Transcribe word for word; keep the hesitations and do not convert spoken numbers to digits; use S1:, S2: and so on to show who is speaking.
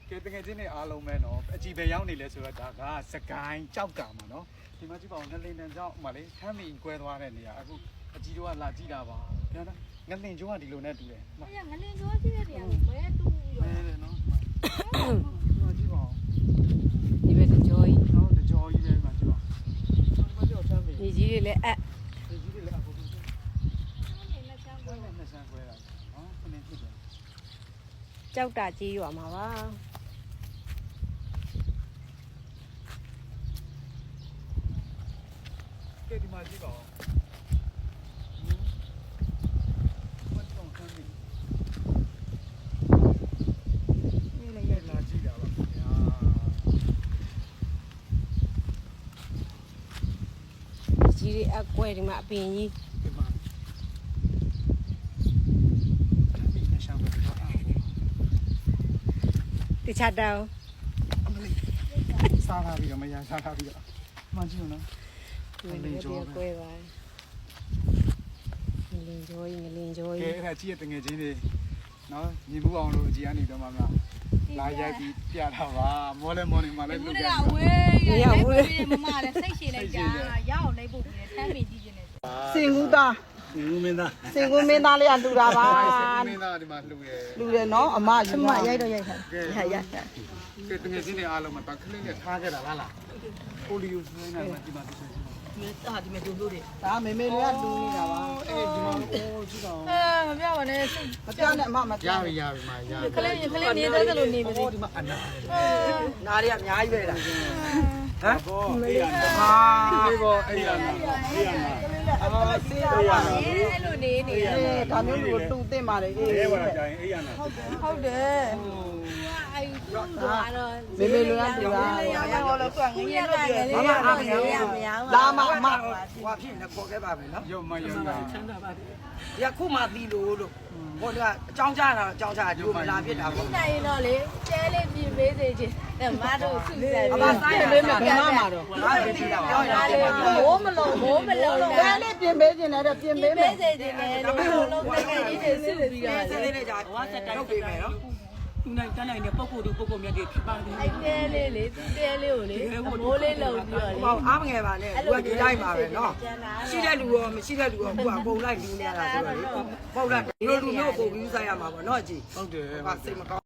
S1: ကဲတကယ်ချင်းနေအားလုံးပဲနော်အကြည့်ပဲရောက်နေလဲဆိုတော့ဒါကစကိုင်းကြောက်ကမှာနော်ဒီမှာကြည့်ပါဦးငလင်တန်ကြောက်မှလေခမ်းမီကွဲသွားတဲ့နေရာအခုအကြည့်တို့ကလာကြည့်တာပါပြန်တော့ငလင်ကျိုးကဒီလိုနဲ့တူတယ်
S2: 哎呀，我连着现在这样，我也懂
S1: မဲ
S2: 了。
S1: တယ်နော်ဒီမှာကြည့်ပါဦး
S3: ဒီဘက်ကြောကြီး
S1: နော်တကြောကြီးပဲမှာကြည့်ပါဦးဘာကြောက်ချမ်းမီ
S3: ညီကြီးတွေလည်းအပ်
S1: ဒီကြီးတွေလည်းအခုခု
S2: 我那香
S1: ကွဲနဲ့နှစ်ဆန်းကွဲတာနော်ခဏဖြစ်တယ်
S3: ကြောက်တာကြီးရွာမှာပါ
S1: ကဲဒီမှာကြည့်ပါဦးဘာကြောက်ချမ်းမီนี่လည်းလာကြည့်တာပါခင်ဗျာ
S3: ညီကြီးတွေအပ်ကွဲဒီမှာအပင်ကြီး
S1: ဒီမှာဒီနေ့ရှောင်းတော့အား
S3: တခြားတောင်
S1: အမလေးစားလာပြီးတော့မရစားလာပြီးတော့မှန်ကြည့်နော်
S3: ငလင်ကြောကွဲပါငလင်ကြောကြီးငလင်ကြော
S1: ကဲ
S3: ကြီး
S1: အဲ့ဒါကြည့်ရတငယ်ချင်းတွေနော်ညီမှုအောင်လို့အကြည့်အနေတော့မှမလာရိုက်ပြီးပြတာပါမောလဲမောနေမှလည်း
S2: 不
S1: လုပ်
S2: 知
S1: ကြ
S2: 道喂，来不及，妈妈来谁谁来家，要来不及，产品地进来。
S4: စင်ကူသား
S1: ဒီမင်းသား
S4: စင်ကူမင်းသားလေးကလူတာပါ
S1: မင်းသားဒီမှာလှူရဲ
S4: လူတယ်နော်အမယူမရိုက်တော့ရိုက်ထားရရရ
S1: ကဲတငယ်ချင်းတွေအားလုံးမှာတခလေးနဲ့ထားခဲ့တာလားလားပိုလီယိုဆွဲနေတာဒီမှာဒီမှာ
S4: ဒါမေမေလေးကလူနေတာပါ
S1: အေးဒီမှာအိုးကြည့်တော့
S2: 呃，不要往那，
S4: မပြောနဲ့အမမ
S1: ရ
S4: ပြော
S1: ပြီရပြီမာရပြီ
S2: 可能可能你在这里你不
S1: ဟော
S2: 对。
S1: ဒီမှာအနာ
S4: နားလေးကအများကြီးပဲလား
S1: ဟမ်ဘောအေးရနာ
S4: ဟာ
S1: အေးဘောအေးရနာအေးရနာ
S4: အော်စေးရပါ
S2: 哎，路你你。
S4: ဒါမျိုးလူတူသိမတယ်အေး
S1: အဲဝါကြရင်အေးရနာ
S2: 好的。哎，多了。
S4: မေမေလူကလူတာ
S2: 要我了，管我也管个嘞。
S4: မမအားမရလာမအမဟွာဖြစ်နေခေါ်ခဲ့ပါမယ်နော်
S1: ရုံမရုံနာ
S4: ဒီခုမှသီလို့လို့ဟိုကအကြောင်းကြားတာအကြောင်းကြားဒီလိုမလာဖြစ်တာပေါ့
S2: 现在呢嘞，家里比没这些，那妈都出来
S4: အမစားရပေးမယ်ဘယ်မှမှာတော့ငါပဲကြည့်တာပြောရ
S2: 哪
S4: တယ်
S2: 里我们弄我们弄
S4: ဘယ်လေးပြင်ပေးခြင်းလဲတော့ပြင်ပေးမယ်
S2: 没这些呢，弄弄那个一点是比较
S4: စသေးလေးကြာဟောဆက်တိုက်ပေးမယ်နော်
S5: သူနိုင်တန်းနိုင်တဲ့ပုံကိုယ်တို့ပုံကိုယ်မြတ်တွေဖြစ်ပါတယ်
S2: 哎，爹嘞嘞，爹嘞我嘞，我嘞弄比较
S4: ဟော
S2: 嘞。
S4: အားမငယ်ပါနဲ့လူကဒီတိုင်းပါပဲနော်ရှိတဲ့လူရောမရှိတဲ့လူရောကိုကပုံလိုက်လူနေရတာဆိုတော့လေပုံလိုက်ဒီလိုလူမျိုးကိုပြီးစားရမှာပေါ့နော်အကြီး
S1: ဟုတ်တယ်
S4: ဟာစိတ်မကောင်း